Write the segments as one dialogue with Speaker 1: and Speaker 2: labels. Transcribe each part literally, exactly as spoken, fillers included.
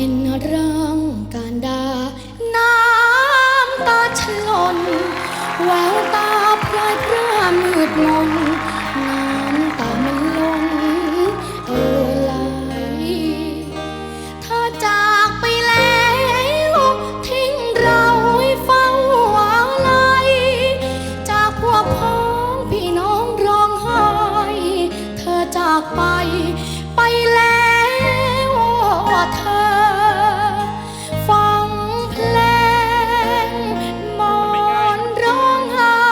Speaker 1: เป็นร่างการดาน้ำตาฉลนแววตาพรายพร่ามืดมนน้ำตามันล้นเออไหลเธอจากไปแล้วทิ้งเราให้เฝ้าอะไรจากพวกพ้องพี่น้องร้องไห้เธอจากไปไปแล้วเธอฟังเพลงมอนร้องไห้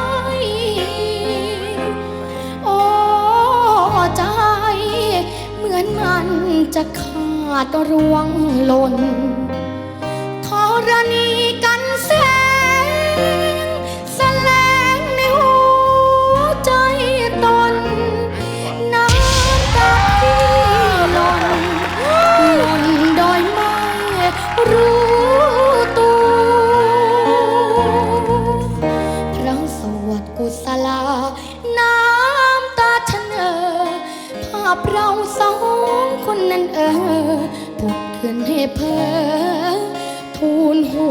Speaker 1: โอ้ใจเหมือนมันจะขาดร่วงหล่นธรณีกันแสงแสลงในหัวใจตนน้ำตาที่หล่นหล่นโดยไม่รู้ตัวพระสวดกุศลาน้ำตาฉันเอ่อภาพเราสองคนนั้นเออผุดขึ้นให้เพ้อทูลหู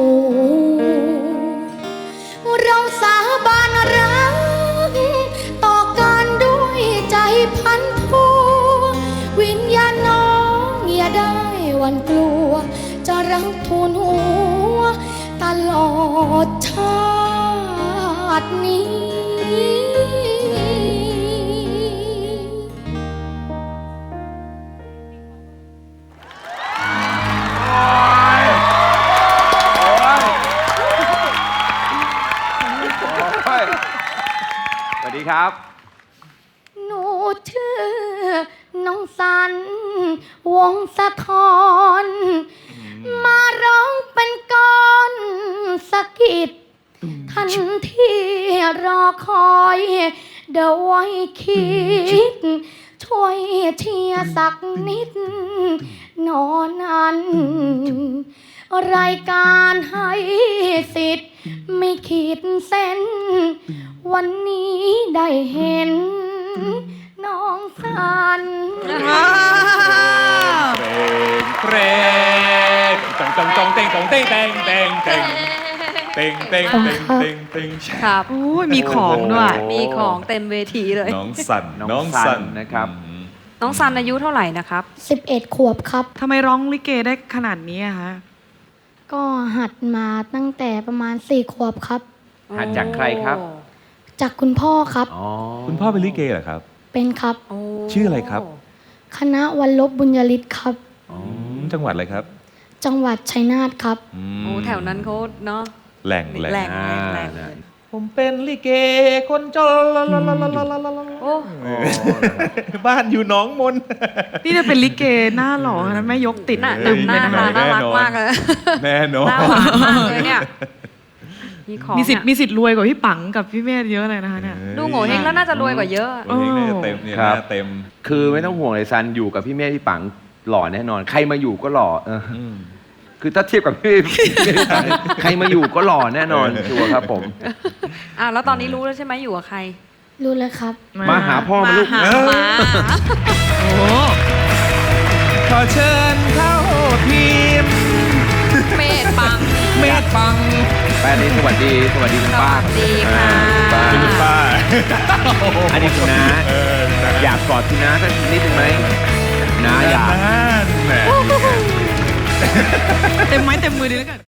Speaker 1: เราสาบานรักต่อกันด้วยใจพันผูวิญญาณน้องอย่าได้หวั่นกลัวจะรักทูลหัวตลอดชาตินี้
Speaker 2: สวัสดีครับ
Speaker 1: หนูชื่อน้องสันวงสะทอนมาร้องเป็นก้อนสะกิดทันที่รอคอยเดี๋ยวไว้คิดช่วยเชียร์สักนิดนอนนั้นรายการให้สิทธิ์ไม่ขีดเส้นวันนี้ได้เห็นน้องสัน
Speaker 3: เพลงตงตงตงเต็งตงเต็งเต็งเต็งเต็งเต็งเต็งเต็งเต็งเต็ง
Speaker 4: ครับโอ้ยมีของด้วยมีของเต็มเวทีเลย
Speaker 3: น้องสัน
Speaker 2: น้องสันนะครับ
Speaker 4: น้องสันอายุเท่าไหร่นะครับ
Speaker 1: สิบเอ็ดขวบครับ
Speaker 5: ทำไมร้องลิเกได้ขนาดนี้อะคะ
Speaker 1: ก็หัดมาตั้งแต่ประมาณสี่ขวบครับ
Speaker 2: หัดจากใครครับ
Speaker 1: จากคุณพ่อครับ
Speaker 3: คุณพ่อเป็นลิเกเหรอครับ
Speaker 1: เป็นครับ
Speaker 3: ชื่ออะไรครับ
Speaker 1: คณะวัลลบบุญยฤทธิ์ครับ
Speaker 3: จังหวัดอะไรครับ
Speaker 1: จังหวัดชัยนาทครับ
Speaker 4: โอ้แถวนั้นเขาเนาะ
Speaker 3: แหล่งแหล่ง
Speaker 4: แหล่งแหล่ง
Speaker 6: ผมเป็นลิเกคนจน
Speaker 4: โอ้
Speaker 3: บ้านอยู่หนองมน
Speaker 5: นี่จะเป็นลิเกหน้าหล่อนะแม่ยกติด
Speaker 4: ตึมหน้าตาน่ารักมากเลย
Speaker 3: แน่นอน
Speaker 4: หน้าหวานมากเลยเนี่ย
Speaker 5: มีสิทธิ์มีสิทธิ์รวยกว่าพี่ปังกับพี่เมธเยอะเลยนะคะเนี่ย
Speaker 4: ดูโง่เฮงแล้วน่าจะรวยกว่าเยอะ
Speaker 3: โง่เฮงน่าจะเต็มเนี่ยน่าเต็ม
Speaker 2: คือไม่ต้องห่วงเลยซันอยู่กับพี่เมธพี่ปังหล่อแน่นอนใครมาอยู่ก็หล่อคือถ้าเทียบกับพี่ใครมาอยู่ก็หล่อแน่นอนชัวร์ครับผม
Speaker 4: อ่าแล้วตอนนี้รู้แล้วใช่ไหมอยู่กับใคร
Speaker 1: รู้แล้วครับ
Speaker 2: มาหาพ่อมาลูก
Speaker 4: มา
Speaker 5: โอ้
Speaker 6: ขอเชิญเข้าทีม
Speaker 4: เมธปัง
Speaker 6: เมธปัง
Speaker 2: แป้นี้สวัสดีสวัสดีคุณป้า
Speaker 4: สวัสดีค่ะ
Speaker 3: คุณป้า
Speaker 2: อันนี้คุณน้าอยากกอดคุณน้าสักนิดนึงไหมน้าอยาก
Speaker 5: เต็มไม้เต็มมือดีแล้วกัน